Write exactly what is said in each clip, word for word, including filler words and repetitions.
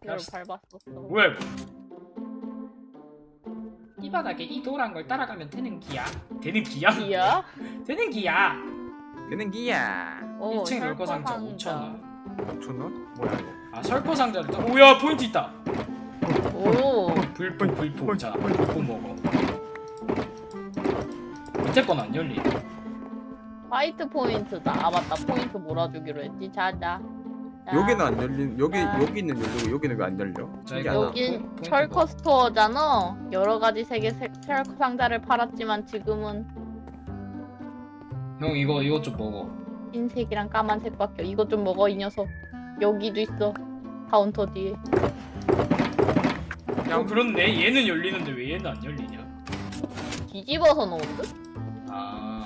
이걸 밟았었어. 뭐야 이거? 이 바닥에 이 노란 걸 따라가면 되는 기야? 되는 기야? 기야? 되는 기야! 되는 기야. 오, 일 층 열거 상자 혈관 오천 원. 오천 원? 뭐야 이거? 아 설거 상자를 또 오야 포인트 있다. 오, 불포 불포. 자 불포 먹어. 밑에 건 안 열리. 화이트 포인트다. 아 맞다, 포인트 몰아주기로 했지. 자자. 자. 여기는 안 열린. 여기 아. 여기는 열리고 여기는 왜 안 열려? 신기하다. 여긴 포인트 철커 뭐? 스토어잖아. 여러 가지 색의 색- 철커 상자를 팔았지만 지금은 형 이거 이거 좀 먹어. 흰색이랑 까만색밖에. 이것 좀 먹어 이 녀석. 여기도 있어. 카운터 뒤에. 어 그렇네. 얘는 열리는데 왜 얘는 안 열리냐? 뒤집어서 넣은 듯? 아.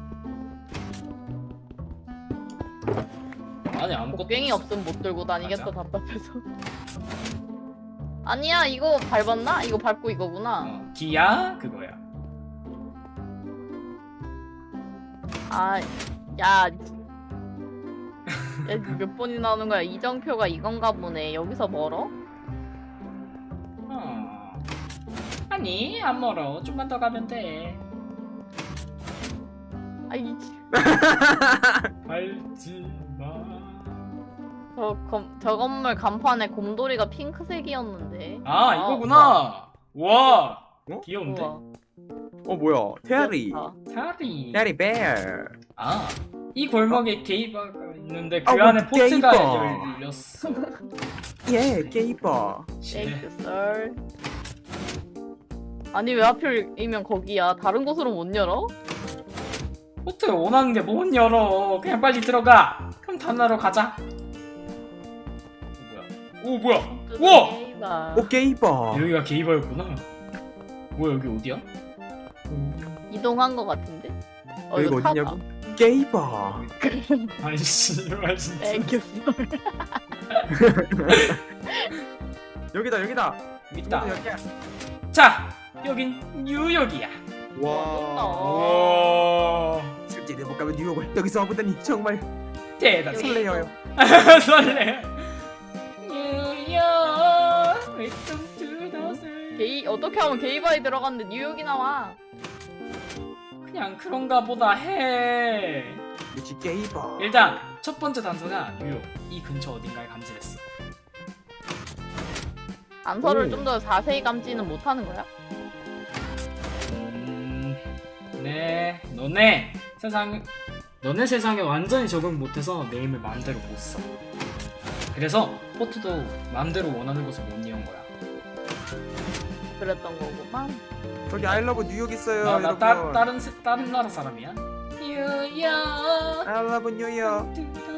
안에 아무것도 곡괭이 없어. 없으면 못 들고 다니겠다. 맞아. 답답해서. 아니야, 이거 밟았나? 이거 밟고 이거구나. 어, 기야 그거야. 아, 야. 야, 몇 번이나 하는 거야? 이정표가 이건가 보네. 여기서 멀어? 어. 아니 안 멀어. 좀만 더 가면 돼. 아이, 밟지 마. 저, 검, 저 건물 간판에 곰돌이가 핑크색이었는데. 아 이거구나. 와. 어? 귀여운데. 우와. 어 뭐야? 테리. 귀엽다. 사리. 테리 베어. 아. 이 골목에 게이바가 있는데 그 아, 안에 뭐 포트가 게이바. 열렸어. 예, 게이버. 땡큐 썰. 아니 왜 하필이면 거기야? 다른 곳으로 못 열어? 포트 원하는데 못 열어. 그냥 빨리 들어가. 그럼 단나로 가자. 어, 뭐야? 오 뭐야? 우와! 게이바. 오 게이버. 여기가 게이바였구나. 뭐야 여기 어디야? 이동한 거 같은데? 어, 여기가 이거 어디냐고? 게이버. 아니 씨발 진짜. 땡큐 썰. 여기다 여기다. 있다. 여기야. 자 여긴 뉴욕이야. 와. 오 실제 내못 가면 뉴욕을 여기서 와보다니 정말 대단해. 설레어요. 설레. 뉴욕. Welcome to the city. 게이 어떻게 하면 게이바에 들어갔는데 뉴욕이 나와? 그냥 그런가 보다 해. 역시 게이버. 일단 첫 번째 단서가 뉴욕. 이 근처 어딘가에 감지됐어. 단서를 오. 좀 더 자세히 감지는 못하는 거야? 음, 네, 너네 세상, 너네 세상에 완전히 적응 못해서 내 힘을 마음대로 못 써. 그래서 포트도 마음대로 원하는 곳을 못 이은 거야. 그랬던 거구만. 저기 아이러브 뉴욕 있어요. 나, 나 여러분. 따, 다른 세- 다른 나라 사람이야. 뉴욕. 아이러브 뉴욕.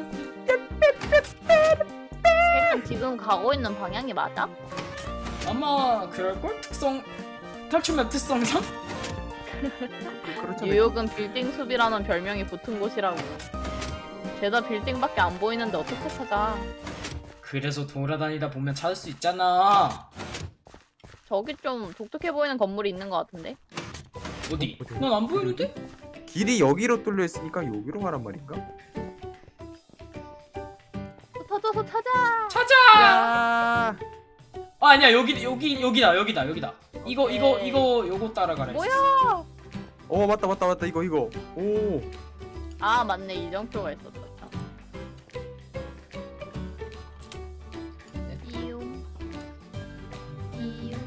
일단 지금 가고 있는 방향이 맞아? 아마 그럴 걸 특성 탈출맵 특성상. 그렇잖아요. 뉴욕은 빌딩 숲이라는 별명이 붙은 곳이라고. 죄다 빌딩밖에 안 보이는데 어떻게 찾아? 그래서 돌아다니다 보면 찾을 수 있잖아. 저기 좀 독특해 보이는 건물이 있는 것 같은데? 어디? 어디? 난 안 보이는데? 길이 여기로 뚫려 있으니까 여기로 가란 말인가? 흩어져서 찾아! 찾아. 야. 아 아니야 여기 여기 여기다 여기다 여기다. 이거 이거 오케이. 이거 요거 따라가라. 뭐야? 어 맞다 맞다 맞다 이거 이거. 오. 아 맞네, 이정표가 있었다. 이용 이용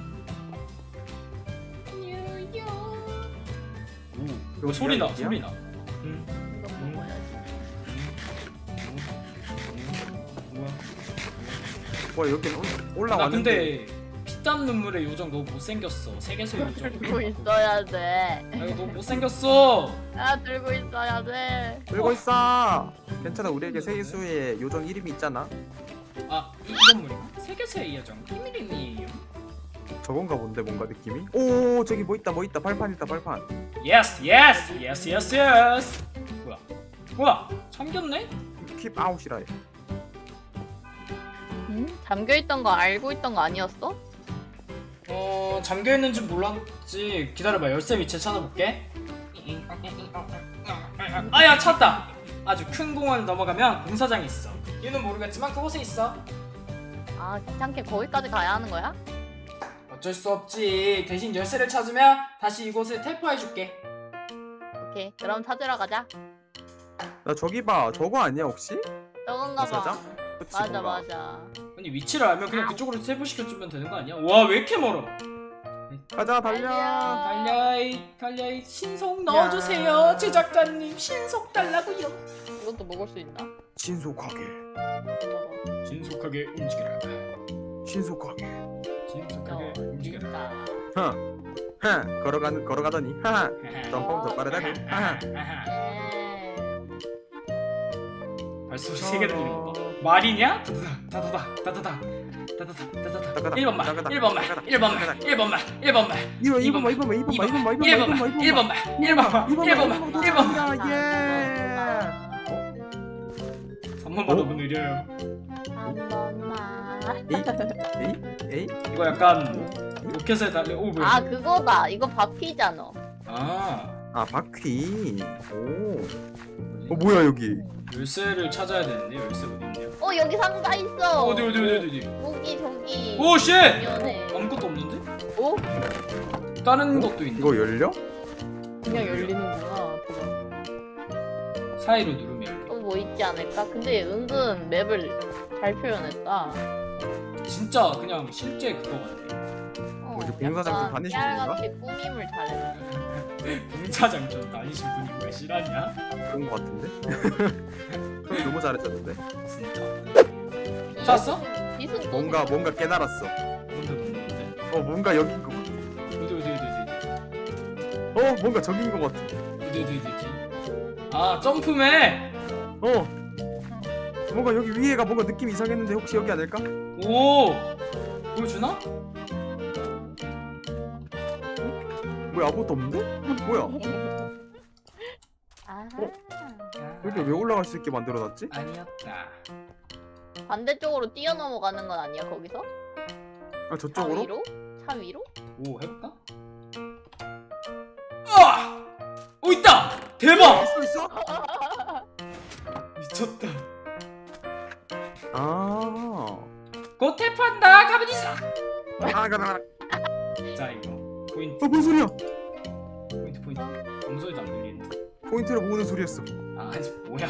뉴욕. 오, 이거 이거 소리 나 어디야? 소리 나. 응. 이거 음. 먹어야지. 뭐야? 와 여기는 올- 나 올라왔는데. 근데 피땀 눈물의 요정 너무 못생겼어. 세계소 요정. 들고 있어야 돼. 아 이거 너무 못생겼어. 아 들고 있어야 돼. 들고 있어. 괜찮아 우리에게 세계수의 요정 이름이 있잖아. 아 이 건물인가? 세계소의 요정 비밀이에요. 저건가 본데 뭔가 느낌이. 오 저기 뭐 있다 뭐 있다 발판 있다 발판. 예스 예스 예스 예스 예스. 뭐야? 뭐야? 잠겼네? 킵 아웃이라 해. 응? 잠겨 있던 거 알고 있던 거 아니었어? 어 잠겨 있는 줄 몰랐지. 기다려봐 열쇠 위치 찾아볼게. 아야 찾다. 아주 큰 공원을 넘어가면 공사장이 있어. 이유는 모르겠지만 그곳에 있어. 아 귀찮게 거기까지 가야 하는 거야? 어쩔 수 없지. 대신 열쇠를 찾으면 다시 이곳을 텔포해줄게. 오케이 그럼 찾으러 가자. 나 저기 봐. 저거 아니야 혹시? 저건가 봐. 사장? 그치, 맞아 뭔가. 맞아. 아니 위치를 알면 그냥 그쪽으로 텔포시켜주면 되는 거 아니야? 와 왜 이렇게 멀어? 가자 달려. 달려. 달려이 달려이 신속 넣어주세요. 제작자님 신속 달라고요. 이것도 먹을 수 있나? 신속하게. 먹어. 신속하게 움직여라. 신속하게. 신속하게 움직여라. 진짜. 흥 걸어가는 걸어가더니 하하. 점프는 더 빠르다고. 하하. 예. 발소리 세개 들리는 거 봐. 말이냐? 다다다 다다다 다다다 다다다 다다다 일 번만 일 번만 일 번만 일 번만 일 번만 이번 이번 이번 이번 이번 이번 일 이번 번만 이번 일 번만 일 번만 일 번만 일 번만 예. 삼 번 받으면 느려요. 한 번만. 에이 에이. 이거 약간 로켓에 달려. 오 뭐야? 아 그거다. 이거 바퀴잖아. 아 아 바퀴. 오. 어 뭐야 여기? 열쇠를 찾아야 되는데 열쇠 어디 있냐? 어 여기 상자 있어. 어디 어디 어디 어디? 저기 저기. 오 쉣! 미안해. 아무것도 없는데? 오? 다른 것도 있네. 이거 열려? 그냥 열리는구나. 그거. 사이로 누르면 열려. 또 뭐 있지 않을까? 근데 은근 맵을 잘 표현했다. 진짜 그냥 실제 그거 같아. 어, 뭐지, 공사장 좀 약간 다니시는 건가? 깨알같이 꾸밈을 잘했네. 공사장 좀 다니신 분이 왜 싫어하냐? 그런 거 같은데? 그럼 너무 잘했었는데. 진짜. 찾았어? 빛은 또 뭔가 뭔가 깨달았어. 뭔데 뭔데 뭔데? 어 뭔가 여긴 거. 어디 어디 어디 어 뭔가 저긴 거 같아. 어디 어디 어디 어디? 아 점프맨. 어. 뭔가 여기 위에가 뭔가 느낌이 이상했는데 혹시 여기 아닐까? 오 보여주나? 뭐야 아무것도 없는데? 뭐야? 아. 여기 왜 올라갈 수 있게 만들어놨지? 아니었다. 반대쪽으로 뛰어넘어가는 건 아니야 거기서? 아 차 저쪽으로? 위로? 차 위로? 오 해볼까? 아! 오 있다! 대박! 있어 있어? 미쳤다. 아. 곧 탭한다 가만히 있어. 아 가라. 자 이거 포인트 어뭔 소리야? 포인트 포인트. 아무 소리도 안 들리는데. 포인트를 모으는 소리였어. 아 아니 뭐야?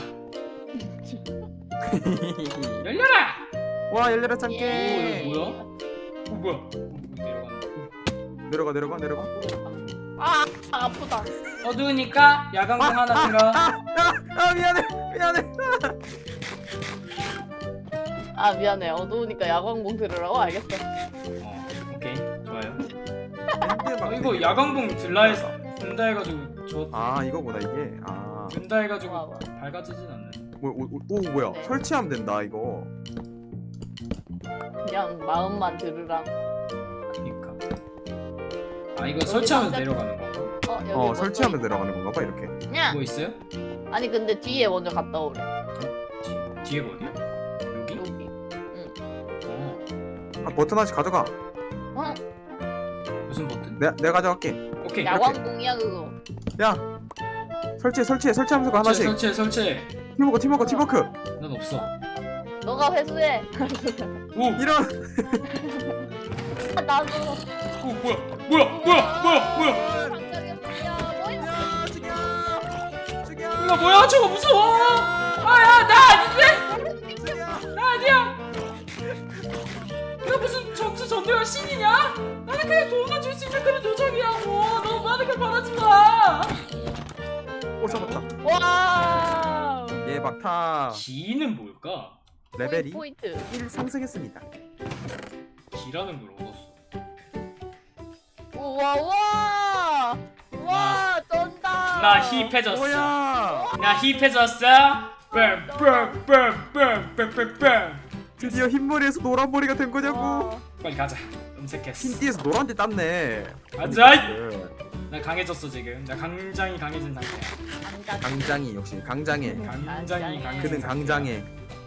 열려라! 와 열려라 오 참깨. 이거 뭐야? 오 뭐야? 오, 내려가는. 내려가 내려가 내려가. 아 아프다. 어두우니까 야광등 하나 들어. 아 미안해 미안해. 아 미안해 어두우니까 야광봉 들으라고 알겠어. 어 오케이 좋아요. 아, 어, 이거 야광봉 들라 해서 든다 해가지고 저 아 이거구나 이게. 아. 든다 해가지고 와봐. 밝아지진 않네. 뭐, 오, 오, 오 뭐야? 네. 설치하면 된다 이거. 그냥 마음만 들으라고. 그니까. 아 이거 설치하면 남자- 내려가는 건가? 어 여기 어 먼저 설치하면 있다. 내려가는 건가 봐 이렇게. 그냥 뭐 있어요? 아니 근데 뒤에 먼저 갔다 오래. 뒤, 뒤에가 어디야? 여기? 여기. 어 아 버튼 하나씩 가져가. 어? 무슨 버튼? 내가 내가 가져갈게. 오케이 야광봉이야 그거. 야 설치해 설치해 설치하면서 가 하나씩. 설치해 설치해. 팀워크 팀워크 팀워크. 난 없어. 너가 회수해. 오! 이런. 아, 나도. 오 뭐야 뭐야 뭐야 뭐야 뭐야 당장에 뭐야 뭐야. 야 죽여 죽여. 나 뭐야 저거 무서워. 아야 나 아닌데? 죽여. 나 아니야. 내가 무슨 전투 전대원 신이냐? 나는 그냥 도움을 줄 수 있는 그런 요정이야. 뭐 너무 많은 걸 바라지 마. 오 잡았다. 와. 예 막타. 기는 뭘까? 레벨이 포인트. 일 상승했습니다. 기라는 걸 얻었어. 우와 와. 와 쩐다. 나 힙해졌어. 뭐야? 나 힙해졌어. 빰빰빰빰빰빰빰. 드디어 흰머리에서 노란머리가 된 거냐고. 와. 빨리 가자. 음색했어. 흰띠에서 노란띠 땄네. 가자. 네. 나 강해졌어 지금. 나 굉장히 강해진 상태야. 안가. 강장이 역시 강장해. 굉장히 강해진 그는 상태야. 강장해.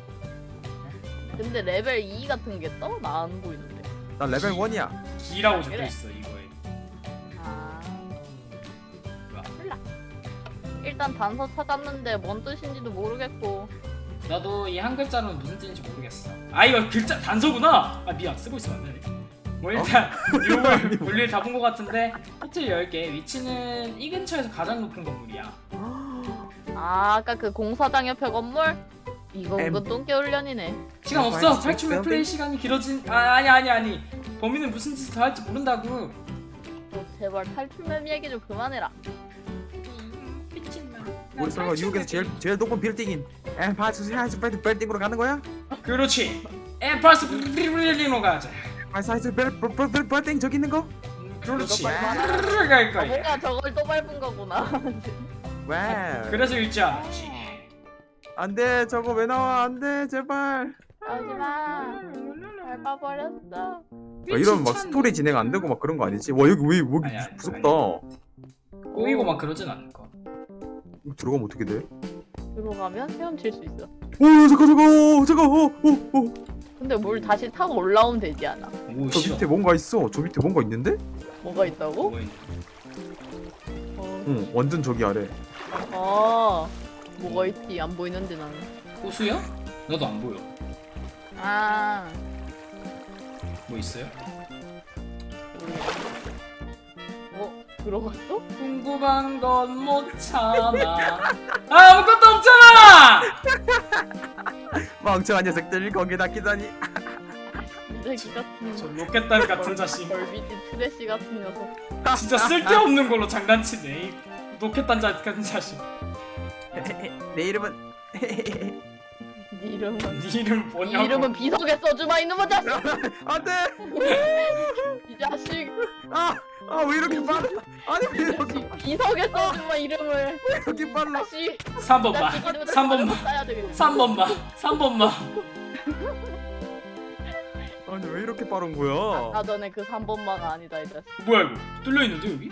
근데 레벨 이 같은 게 떠? 나 안 보이는데. 난 레벨 일이야. 기라고 적혀 그래. 있어 이거에. 아. 뭐야? 몰라. 일단 단서 찾았는데 뭔 뜻인지도 모르겠고. 나도 이 한 글자로는 무슨 뜻인지 모르겠어. 아 이거 글자 단서구나. 아 미안 쓰고 있으면 안 되네. 뭐 일단 이름을 볼일 다 본 것 같은데 호텔 열 개 위치는 이 근처에서 가장 높은 건물이야. 아 아까 그 공사장 옆에 건물? 이거 엠. 은근 똥개훈련이네. 시간 아, 없어. 알겠어. 탈출면 플레이 시간이 길어진. 아 아니 아니 아니. 범인은 무슨 짓을 더 할지 모른다고. 어, 제발 탈출맵 얘기 좀 그만해라. 우리 설마 미국에서 제일 제일 높은 빌딩인 엠파이스 하이스 빌딩으로 가는 거야? 그렇지. 엠파스 빌딩으로 가자. 엠파이스 빌딩 저기 있는 거? 그렇지. 이거 빨리 말하라. 갈 아, 거야. 뭔가 저걸 또 밟은 거구나. 와. 그래서 읽지 않았지. 안돼 저거 왜 나와 안돼 제발. 하지마. 밟아버렸어. 아, 이런 막 스토리 진행 안 되고 막 그런 거 아니지? 와 여기 왜 여기 아니, 아니, 무섭다. 꼬이고 막 그러진 않을 거. 이거 들어가면 어떻게 돼? 들어가면 헤엄칠 수 있어. 오 잠깐 잠깐 오 잠깐 오오오 근데 물 다시 타고 올라오면 되지 않아? 오 저 싫어. 밑에 뭔가 있어. 저 밑에 뭔가 있는데? 뭐가 있다고? 뭐 있- 어, 응 완전 저기 아래. 아, 뭐가 있지? 안 보이는데 나는. 호수야? 나도 안 보여. 아, 뭐 있어요? 어, 들어갔어? 궁금한 건 못 참아. 아, 아무것도 없잖아. 멍청한 녀석들 거기다 끼다니. 쓰레기 같은 저 로켓단 같은 자식. 벌비지 트래시 같은 녀석. 진짜 쓸데없는 걸로 장난치네. 이 로켓단 자 같은 자식. 내 이름은 네 이름은 네 이름 네 뭐냐고. 이름은 비석에 써주마 이놈의 자식. 안돼. 이 자식. 아아왜 이렇게 빨라? 아니 왜 이 이렇게 자식 비석에 써주마 이름을. 왜 이렇게 빨라? 자식. 삼 번만. 자식 이름을 삼 번만. 써야 되겠네. 삼 번만. 삼 번만. 아니 왜 이렇게 빠른 거야? 아까 전에 그 삼 번마가 아니다 이 자식. 뭐야 이거? 뚫려 있는데 여기?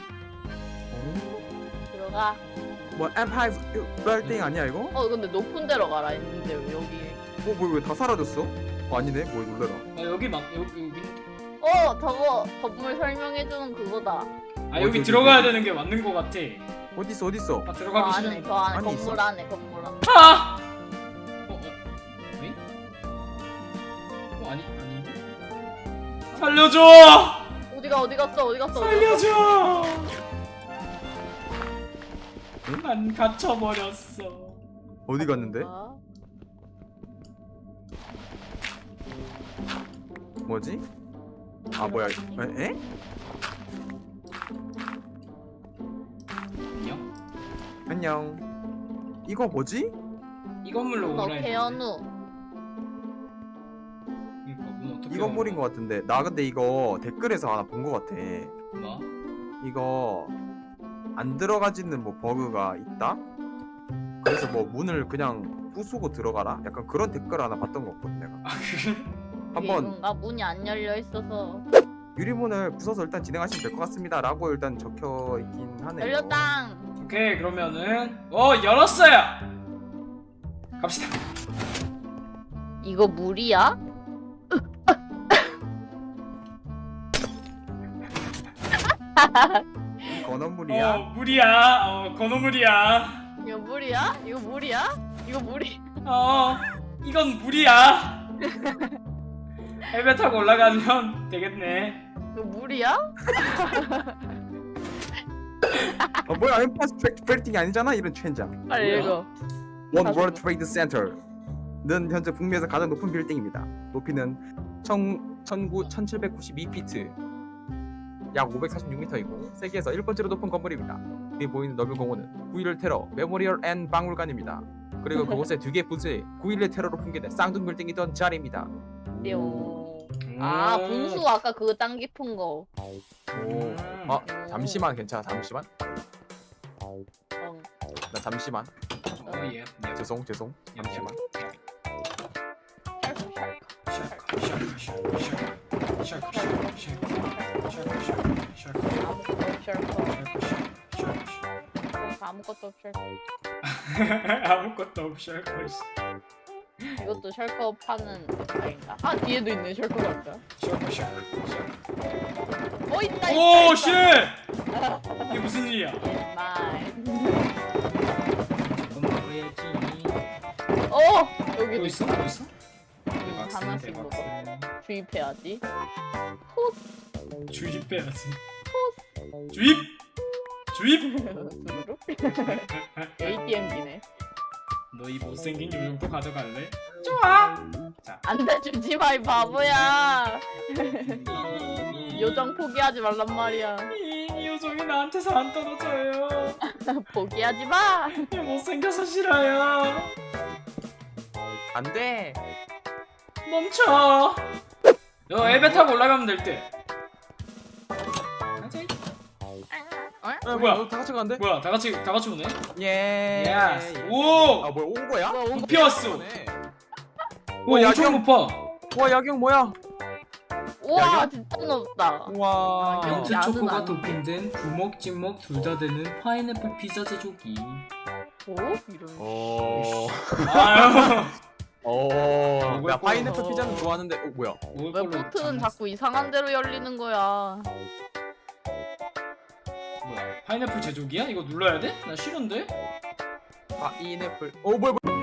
들어가. 뭐 엠파이어 빌딩 아니야 이거? 어 근데 높은 데로 가라 했는데 왜 여기. 어뭐 왜 다 사라졌어? 어, 아니네 뭐 놀래라. 아 여기 막 여기 여기. 어 저거 건물 설명해주는 그거다. 아 어, 여기 저기, 들어가야 저기. 되는 게 맞는 거 같아. 어디 있어 어디 있어? 아 저 들어가기 안에 싫은. 저 안에 안에 건물 있어? 안에 건물 안에. 아! 어, 어. 에? 어, 아니, 아닌데? 살려줘! 어디가 어디 갔어 어디 갔어. 어디 갔어? 살려줘! 난 갇혀버렸어. 어디 갔는데? 아, 뭐지? 아 뭐야? 에? 에? 안녕? 안녕. 이거 뭐지? 이 건물로 너 오라 했는데. 개연우. 이거 문 어떻게 이 건물인 오는 것 같은데 나 근데 이거 댓글에서 하나 본 것 같아. 거야? 뭐? 이거 안 들어가지는 뭐 버그가 있다? 그래서 뭐 문을 그냥 부수고 들어가라? 약간 그런 댓글 하나 봤던 것 같거든 내가. 아 그래? 한번 뭔가 문이 안 열려 있어서. 유리문을 부숴서 일단 진행하시면 될 것 같습니다 라고 일단 적혀 있긴 하네요. 열렸당. 오케이 그러면은 어 열었어요! 갑시다. 이거 물이야? 건어물이야? 어 물이야. 어 건어물이야. 이거 물이야? 이거 물이야? 이거 물이. 어 이건 물이야. 헬멧 타고 올라가면 되겠네. 이거 물이야? 어, 뭐야 엠파스 트랙 빌딩이 아니잖아 이런 첸장. 빨리 뭐야? 읽어. 원 다시 월드 트레이드 센터는 현재 북미에서 가장 높은 빌딩입니다. 높이는 천칠백구십이 피트, 약 오백사십육 미터이고 세계에서 일 번째로 높은 건물입니다. 여기 보이는 넓은 공원은 구일일 테러 메모리얼 앤 박물관입니다. 그리고 그곳에 두 개 부스에 구일일 테러로 붕괴된 쌍둥 빌딩이던 자리입니다. 띠용. 아 음. 분수 아까 그거 땅 깊은 거. 오, 아 잠시만 괜찮아 잠시만. 어. 나 잠시만. 어, 예. 예. 죄송 죄송 잠시만. 아무것도 없 셜커. 아무것도 없이 할 것이. 이것도 셜커 파는 아닌가? 아 뒤에도 있네 셜커 같다. 샤크 샤크. 어 있다 있다. 오 있다. 쉣! 이게 무슨 일이야? 마이. 잠깐만 해야지. 어 여기도 또 있어? 또 있어? 대박스 하나씩 대박스. 주입해야지. 주입해야지. 주입. 주입. 수루룩. 에이티엠기네. 너 이 못생긴 요정 또 가져갈래? 좋아. 자. 안돼 주지 마 이 바보야. 이, 요정 포기하지 말란 말이야. 이, 이 요정이 나한테서 안 떨어져요. 포기하지 마. 얘 못생겨서 싫어요. 안돼. 멈춰. 너 엘베 타고 올라가면 될 듯. 가자. 아, 뭐야? 너 다 같이 가는데? 뭐야? 다 같이 다 같이 오네. 예. 예스. 예. 오. 아 뭐야 온 거야? 뭐야, 온 높이 왔어. 네. 오, 야, 엄청 형. 높아. 와 야경 뭐야? 우와 야, 진짜 높다. 와. 야, 민트 야는 초코가 아니야. 토핑된 부먹 찍먹 둘 다 되는 파인애플 피자 제조기. 오 이런. 어. 아유. 어. 먹을 야 거. 파인애플 피자는 좋아하는데 어 뭐야? 먹을 왜 걸로 포트는 장난- 자꾸 이상한 데로 열리는 거야? 뭐야? 파인애플 제조기야? 이거 눌러야 돼? 나 싫은데? 파인애플. 어 뭐야 뭐야?